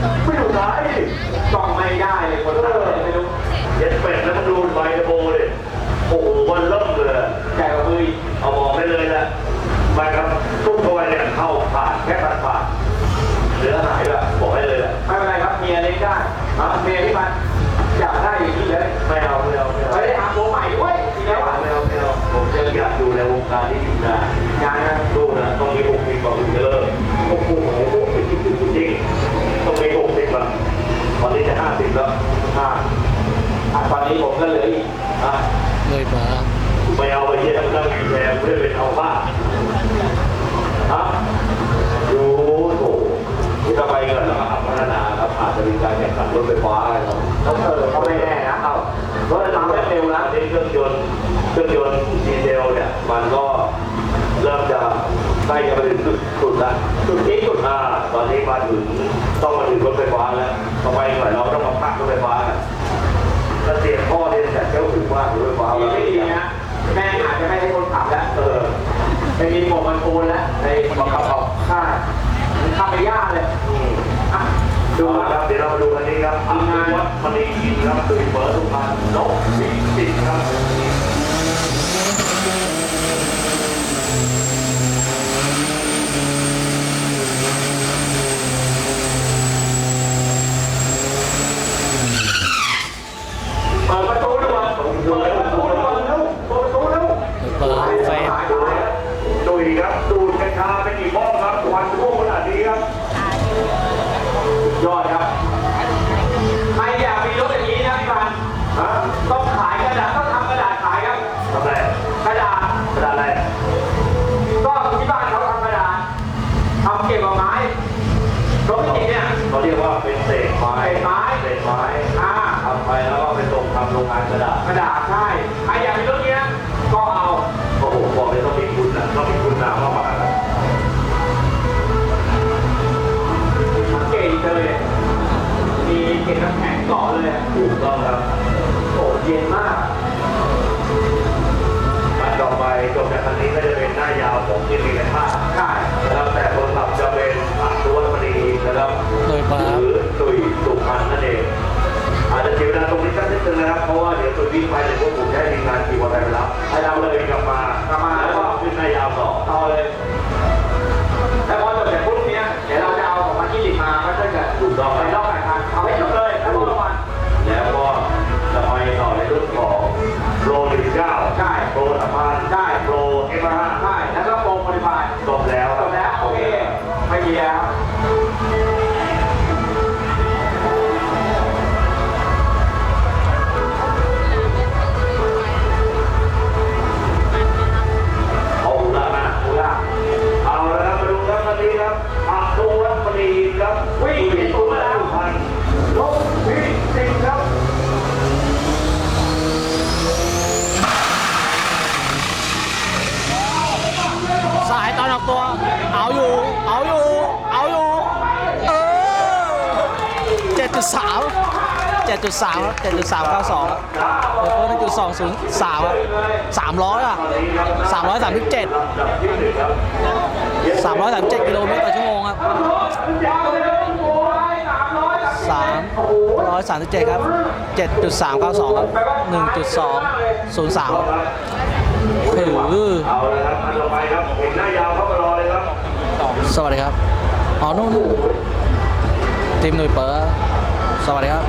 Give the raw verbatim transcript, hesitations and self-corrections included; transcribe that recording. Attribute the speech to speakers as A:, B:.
A: ไม่ดูท้ายกล้องไม่ได้เลยคนเออไม่รู้เย็ดเป็ดแล้วมันดูไวโบเลยโอ้โหวันเริ่มเลยแกก็มือเอาบอกได้เลยนะมาครับทุกตัวเนี่ยเข้าผ่านแค่ผ่านผ่านเหลือหายด้วยบอกได้เลยแหละไม่เป็นไรครับเมียเล็กได้เมียที่มันอยากได้อย่างนี้เลยไม่เอาไม่เอาไม่เอาไม่ได้หาตัวใหม่ด้วยทีแล้วไม่เอาไม่เอาผมจะอยากดูในวงการที่ดีนะงานนะดูนะต้องมีหกสิบกว่าถึงจะเลิกโอ้โหจริงต้องมีหกสิบละตอนนี้จะห้าสิบแล้วห้าตอนนี้ผมก็เหลืออีกอ่ะ
B: เลยมา
A: ไม่เอาไปเยี่ยมนั่งแชร์เพื่อเป็นเอาบ้าฮะดูโถที่จะไปเงินแล้วก็พัฒนาครับอาจจะมีการแข่งขันรถไฟฟ้าอะไรครับแล้วเออเขาไม่แน่นะเอารถทำได้เร็วนะที่เครื่องยนต์เครื่องยนต์ดีเซลเนี่ยมันก็เริ่มจะใกล้จะไปถึงจุดสุดละจุดที่สุดอ่าตอนนี้มาถึงต้องมาถึงรถไฟฟ้าแล้วต่อไปหน่อยเราต้องมาพักรถไฟฟ้าถ้าเสียพ่อเนี่ยแต่เจ้าถึงว่ารถไฟฟ้าไม่ดีนะแม่อาจจะไม่ให้คนขับแล้วเออไปมีหมวกมันโอนแล้วในบังคับเอาค่ามันขับไปยากเลยดูครับเดี๋ยวเรามาดูกันนี้ครับทีมงานวัดมณีกินครับตื่นเปิดทุกพันนกสิสิครับเปิดประตูด้วยเปิดประตูด้วยเร็วเปิดประตูเร็ว
B: เปิดไฟ
A: ดูดีครับดูดกัญชาเป็นกี่บ้องครับวันพวกขนาดนี้ครับยอดครับใครอยากมีรถอย่างนี้นะพี่บันต้องขายกระดาษต้องทำกระดาษขายครับทำอะไรกระดาษกระดาษอะไรก็ที่บ้านเขาทำกระดาษทำเก็บกับไม้รถจริงเนี่ยเขาเรียกว่าเป็นเศษไม้ไม้เศษไม้อ่าทำไปแล้วก็ไปส่งทำโรงงานกระดาษกระดาษใช่ใครอยากมีรถนี้ก็เอาโอ้โหบอกเลยต้องมีคุณนะต้องมีคุณนามมากๆนะเก่งเลยมีเกล็ดน้ำแข็งเกาะเลยถูกต้องครับโอ้เย็นมากมันต่อไปจบจากคันนี้ก็จะเป็นหน้ายาวของที่มีในภาพใช่แล้วแต่คนขับจะเป็นอัศวรรษมณีนะครับหรือตุยสุพรรณนั่นเองอาจจะเสียเวลาตรงนี้สักนิดนึงนะครับเพราะว่าเดี๋ยวตัววิ่งไปเดี๋ยวพวกผมจะให้ทีมงานขี่มอเตอร์ไซค์ไปรับให้เราเลยกลับมากลับมาแล้วก็ขึ้นหน้ายาวต่อเอาเลยแล้วพอจบจากพวกนี้เดี๋ยวเราจะเอาของมาที่ดิบมาก็จะเกิดถูกต้องไปรอบการทางเอาให้จบเลยแล้วก็ระวังแล้วก็จะไปต่อในรุ่นของโปรหนึ่งเก้าใช่โปรสามพันใช่โปรเอ็มห้าใช่แล้วก็โปรโมดิฟายจบแล้วจบแล้วโอเคไม่เกี่ยวเอาละครับมาดูครับตอนนี้ครับอัศวรรษมณีครับวิ่งที่สุดแล้วพันลบวิ่งจริงครับ
B: สายตอนออกตัวเอาอยู่เอาอยู่เอาอยู่เออเจ็ดจุดสามเจ็ดจุดสามเจ็ดจุดสามเก้าสองเดี๋ยวเพิ่มหนึ่งจุดสองศูนย์สามสามร้อยอ่ะสามร้อยสามสิบเจ็ดสามร้อยสามสิบเจ็ดกิโลเมตรต่อชั่วโมงครับสามร้อยสามสิบเจ็ดครับเจ็ดจุดสามเก้าสองครับหนึ่งจุดสองศูนย์สามถือ
A: เอาละครับอันต่อไปครับเห็นหน้ายาวเข้ามารอเลยครับ
B: สวัสดีครับอ๋อนู่นทีมหน่วยเปิดสวัสดีครับ